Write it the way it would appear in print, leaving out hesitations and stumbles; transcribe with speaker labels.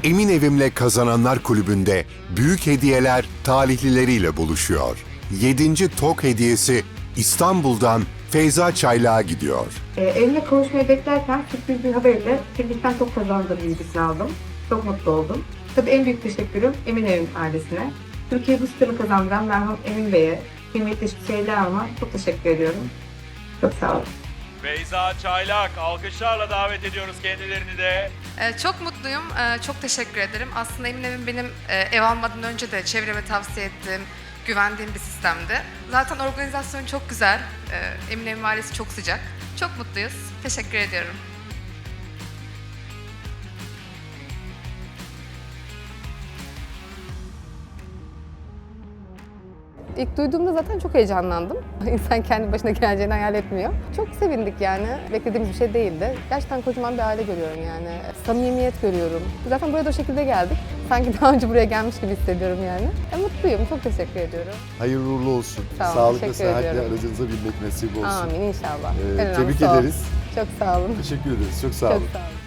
Speaker 1: Emin Evim'le Kazananlar Kulübü'nde büyük hediyeler talihlileriyle buluşuyor. 7. TOK hediyesi İstanbul'dan Feyza Çaylak'a gidiyor.
Speaker 2: Evimle kavuşmayı beklerken sürpriz bir haberle Tebrikten çok kazandığı bilgisini aldım. Çok mutlu oldum. Tabii en büyük teşekkürüm Emin Evim ailesine. Türkiye bu starı kazandıran merhum Emin Bey'e, kıymetli Süheyla Hanım'a çok teşekkür ediyorum. Çok sağ olun.
Speaker 3: Feyza Çaylak, alkışlarla davet ediyoruz kendilerini de.
Speaker 4: Çok mutluyum, çok teşekkür ederim. Aslında Emin Evim benim ev almadan önce de çevreme tavsiye ettiğim, güvendiğim bir sistemdi. Zaten organizasyon çok güzel, Emin Evim ailesi çok sıcak. Çok mutluyuz, teşekkür ediyorum.
Speaker 5: İlk duyduğumda zaten çok heyecanlandım. İnsan kendi başına geleceğini hayal etmiyor. Çok sevindik yani. Beklediğimiz bir şey değildi. Gerçekten kocaman bir aile görüyorum yani. Samimiyet görüyorum. Zaten buraya da o şekilde geldik. Sanki daha önce buraya gelmiş gibi hissediyorum yani. Mutluyum, çok teşekkür ediyorum.
Speaker 6: Hayırlı uğurlu olsun.
Speaker 5: Sağ olun,
Speaker 6: Sağlıkla,
Speaker 5: teşekkür
Speaker 6: sıhhatle
Speaker 5: ediyorum.
Speaker 6: aracınıza binmek nasip olsun.
Speaker 5: Amin inşallah. En
Speaker 6: Tebrik
Speaker 5: önemlisi o.
Speaker 6: ederiz.
Speaker 5: Çok sağ olun.
Speaker 6: Teşekkür ederiz. Çok sağ
Speaker 5: Çok
Speaker 6: olun.
Speaker 5: sağ olun.